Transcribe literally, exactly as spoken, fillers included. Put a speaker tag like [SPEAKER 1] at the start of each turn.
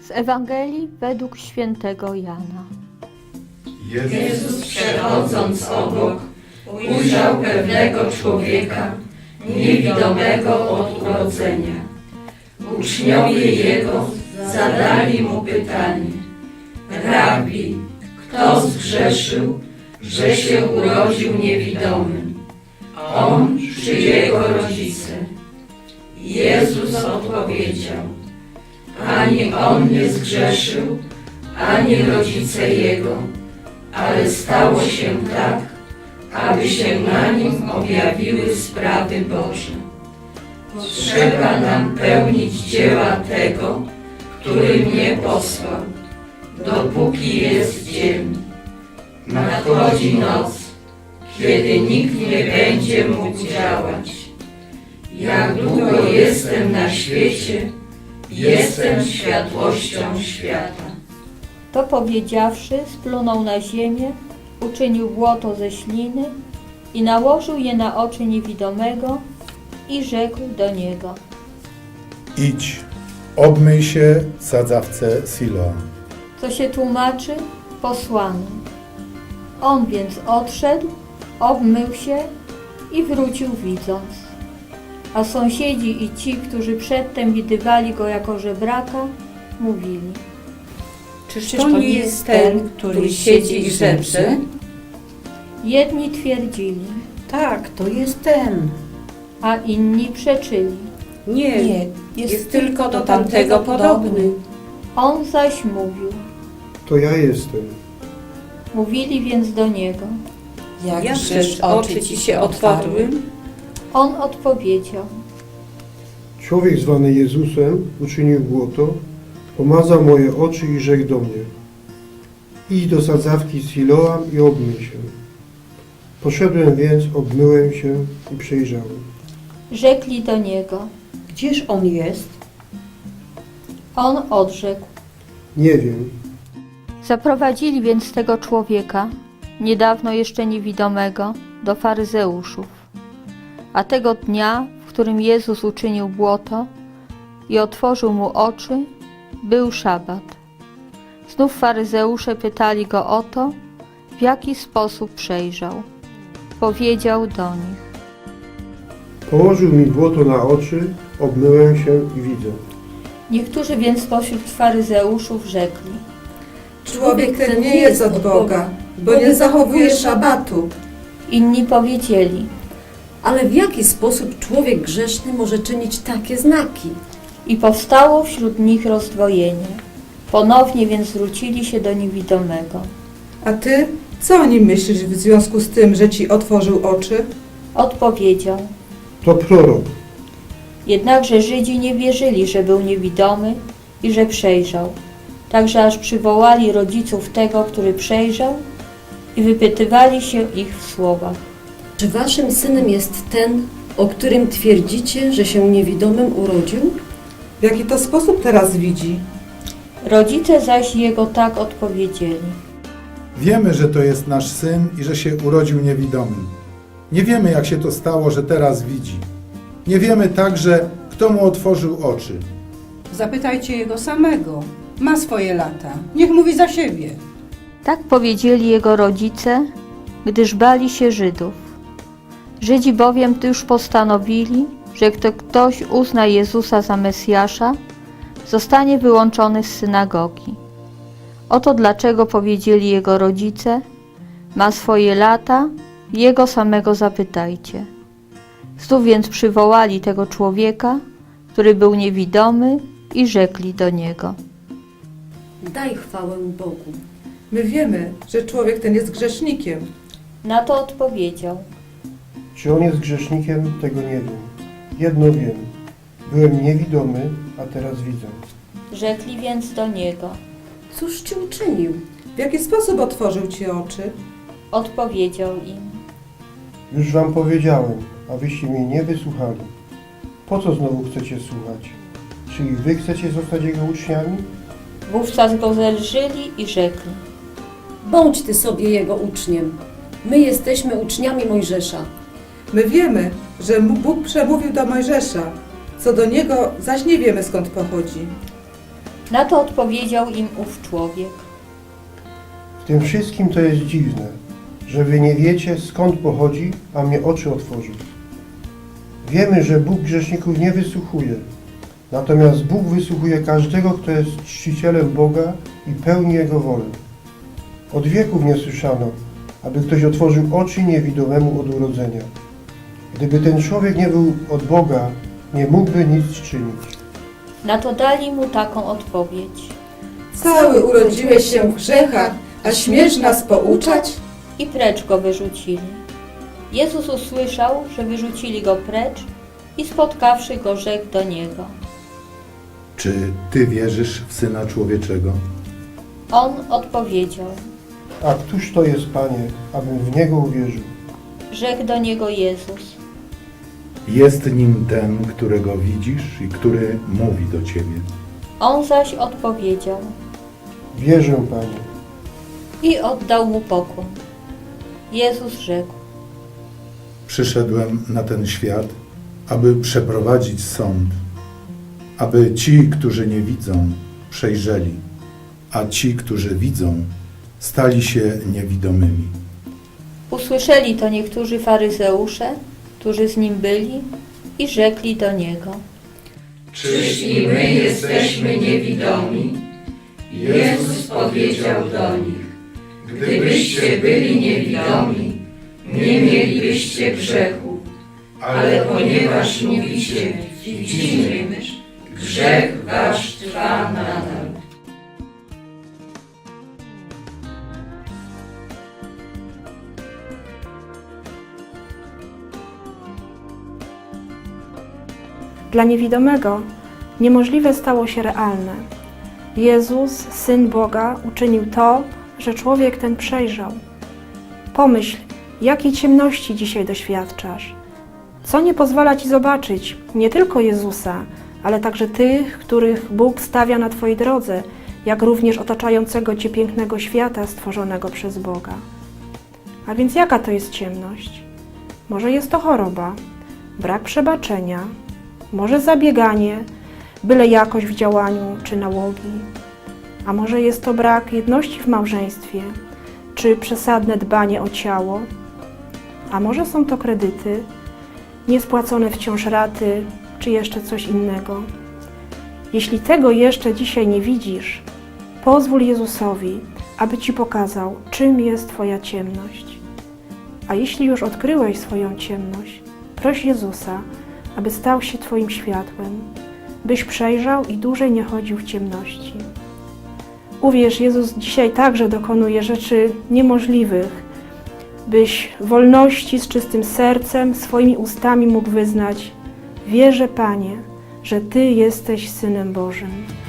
[SPEAKER 1] Z Ewangelii według świętego Jana.
[SPEAKER 2] Jezus, przechodząc obok, ujrzał pewnego człowieka, niewidomego od urodzenia. Uczniowie Jego zadali Mu pytanie: Rabbi, kto zgrzeszył, że się urodził niewidomym? On czy Jego rodzice? Jezus odpowiedział: Ani on nie zgrzeszył, ani rodzice Jego, ale stało się tak, aby się na nim objawiły sprawy Boże. Trzeba nam pełnić dzieła tego, który mnie posłał, dopóki jest dzień. Nadchodzi noc, kiedy nikt nie będzie mógł działać. Jak długo jestem na świecie, jestem światłością świata.
[SPEAKER 1] To powiedziawszy, splunął na ziemię, uczynił błoto ze śliny i nałożył je na oczy niewidomego i rzekł do niego:
[SPEAKER 3] Idź, obmyj się w sadzawce Siloam.
[SPEAKER 1] co się tłumaczy posłany. On więc odszedł, obmył się i wrócił widząc. A sąsiedzi i ci, którzy przedtem widywali go jako żebraka, mówili:
[SPEAKER 4] Czyż to nie jest ten, który siedzi i żebrze?
[SPEAKER 1] Jedni twierdzili,
[SPEAKER 4] Tak, to jest ten.
[SPEAKER 1] a inni przeczyli.
[SPEAKER 4] Nie, nie jest, jest tylko do tamtego podobny.
[SPEAKER 1] On zaś mówił.
[SPEAKER 5] To ja jestem.
[SPEAKER 1] Mówili więc do niego.
[SPEAKER 4] Jakżeż oczy ci się otwarły?
[SPEAKER 1] On odpowiedział:
[SPEAKER 5] Człowiek zwany Jezusem uczynił błoto, pomazał moje oczy i rzekł do mnie: Idź do sadzawki Siloam i obmyj się. Poszedłem więc, obmyłem się i przejrzałem.
[SPEAKER 1] Rzekli do niego.
[SPEAKER 4] Gdzież on jest?
[SPEAKER 1] On odrzekł.
[SPEAKER 5] Nie wiem.
[SPEAKER 1] Zaprowadzili więc tego człowieka, niedawno jeszcze niewidomego, do faryzeuszów. A tego dnia, w którym Jezus uczynił błoto i otworzył mu oczy, był szabat. Znów faryzeusze pytali go o to, w jaki sposób przejrzał. Powiedział do nich:
[SPEAKER 5] Położył mi błoto na oczy, obmyłem się i widzę.
[SPEAKER 1] Niektórzy więc spośród faryzeuszów rzekli:
[SPEAKER 6] Człowiek ten nie jest od Boga, bo nie zachowuje szabatu.
[SPEAKER 1] Inni powiedzieli:
[SPEAKER 7] Ale w jaki sposób człowiek grzeszny może czynić takie znaki?
[SPEAKER 1] I powstało wśród nich rozdwojenie. Ponownie więc zwrócili się do niewidomego.
[SPEAKER 6] A ty, co o nim myślisz w związku z tym, że ci otworzył oczy?
[SPEAKER 1] Odpowiedział.
[SPEAKER 5] To prorok.
[SPEAKER 1] Jednakże Żydzi nie wierzyli, że był niewidomy i że przejrzał. Także aż przywołali rodziców tego, który przejrzał, i wypytywali się ich w słowach.
[SPEAKER 7] Czy waszym synem jest ten, o którym twierdzicie, że się niewidomym urodził?
[SPEAKER 6] W jaki to sposób teraz widzi?
[SPEAKER 1] Rodzice zaś jego tak odpowiedzieli.
[SPEAKER 3] Wiemy, że to jest nasz syn i że się urodził niewidomym. Nie wiemy, jak się to stało, że teraz widzi. Nie wiemy także, kto mu otworzył oczy.
[SPEAKER 8] Zapytajcie jego samego. Ma swoje lata. Niech mówi za siebie.
[SPEAKER 1] Tak powiedzieli jego rodzice, gdyż bali się Żydów. Żydzi bowiem już postanowili, że kto ktoś uzna Jezusa za Mesjasza, zostanie wyłączony z synagogi. Oto dlaczego powiedzieli jego rodzice: ma swoje lata, jego samego zapytajcie. Znów więc przywołali tego człowieka, który był niewidomy, i rzekli do niego:
[SPEAKER 7] Daj chwałę Bogu.
[SPEAKER 6] My wiemy, że człowiek ten jest grzesznikiem.
[SPEAKER 1] Na to odpowiedział.
[SPEAKER 5] Czy on jest grzesznikiem, tego nie wiem. Jedno wiem. Byłem niewidomy, a teraz widzę.
[SPEAKER 1] Rzekli więc do niego.
[SPEAKER 7] Cóż ci uczynił?
[SPEAKER 6] W jaki sposób otworzył ci oczy?
[SPEAKER 1] Odpowiedział im.
[SPEAKER 5] Już wam powiedziałem, a wyście mnie nie wysłuchali. Po co znowu chcecie słuchać? Czy i wy chcecie zostać jego uczniami?
[SPEAKER 1] Wówczas go zelżyli i rzekli.
[SPEAKER 7] Bądź ty sobie jego uczniem. My jesteśmy uczniami Mojżesza.
[SPEAKER 6] My wiemy, że Bóg przemówił do Mojżesza. Co do niego, zaś nie wiemy, skąd pochodzi.
[SPEAKER 1] Na to odpowiedział im ów człowiek.
[SPEAKER 5] W tym wszystkim to jest dziwne, że wy nie wiecie, skąd pochodzi, a mnie oczy otworzył. Wiemy, że Bóg grzeszników nie wysłuchuje, natomiast Bóg wysłuchuje każdego, kto jest czcicielem Boga i pełni Jego wolę. Od wieków nie słyszano, aby ktoś otworzył oczy niewidomemu od urodzenia. Gdyby ten człowiek nie był od Boga, nie mógłby nic czynić.
[SPEAKER 1] Na to dali mu taką odpowiedź.
[SPEAKER 6] Cały urodziłeś się w grzechach, a śmiesz nas pouczać?
[SPEAKER 1] I precz go wyrzucili. Jezus usłyszał, że wyrzucili go precz i spotkawszy go, rzekł do niego.
[SPEAKER 3] Czy ty wierzysz w Syna Człowieczego?
[SPEAKER 1] On odpowiedział.
[SPEAKER 5] A któż to jest, Panie, abym w Niego uwierzył?
[SPEAKER 1] Rzekł do niego Jezus.
[SPEAKER 3] Jest nim ten, którego widzisz i który mówi do ciebie.
[SPEAKER 1] On zaś odpowiedział
[SPEAKER 5] Wierzę, Panie.
[SPEAKER 1] i oddał mu pokłon. Jezus rzekł.
[SPEAKER 3] Przyszedłem na ten świat, aby przeprowadzić sąd, aby ci, którzy nie widzą, przejrzeli, a ci, którzy widzą, stali się niewidomymi.
[SPEAKER 1] Usłyszeli to niektórzy faryzeusze, którzy z nim byli i rzekli do niego.
[SPEAKER 2] Czyż i my jesteśmy niewidomi? Jezus powiedział do nich, gdybyście byli niewidomi, nie mielibyście grzechu, ale ponieważ mówicie, widzimy, grzech wasz trwa nadal.
[SPEAKER 9] Dla niewidomego niemożliwe stało się realne. Jezus, Syn Boga, uczynił to, że człowiek ten przejrzał. Pomyśl, jakiej ciemności dzisiaj doświadczasz. Co nie pozwala ci zobaczyć nie tylko Jezusa, ale także tych, których Bóg stawia na twojej drodze, jak również otaczającego cię pięknego świata stworzonego przez Boga. A więc jaka to jest ciemność? Może jest to choroba, brak przebaczenia, może zabieganie, byle jakość w działaniu czy nałogi, a może jest to brak jedności w małżeństwie, czy przesadne dbanie o ciało, a może są to kredyty, niespłacone wciąż raty, czy jeszcze coś innego. Jeśli tego jeszcze dzisiaj nie widzisz, pozwól Jezusowi, aby ci pokazał, czym jest twoja ciemność. A jeśli już odkryłeś swoją ciemność, proś Jezusa, aby stał się twoim światłem, byś przejrzał i dłużej nie chodził w ciemności. Uwierz, Jezus dzisiaj także dokonuje rzeczy niemożliwych, byś w wolności z czystym sercem, swoimi ustami mógł wyznać: wierzę, Panie, że Ty jesteś Synem Bożym.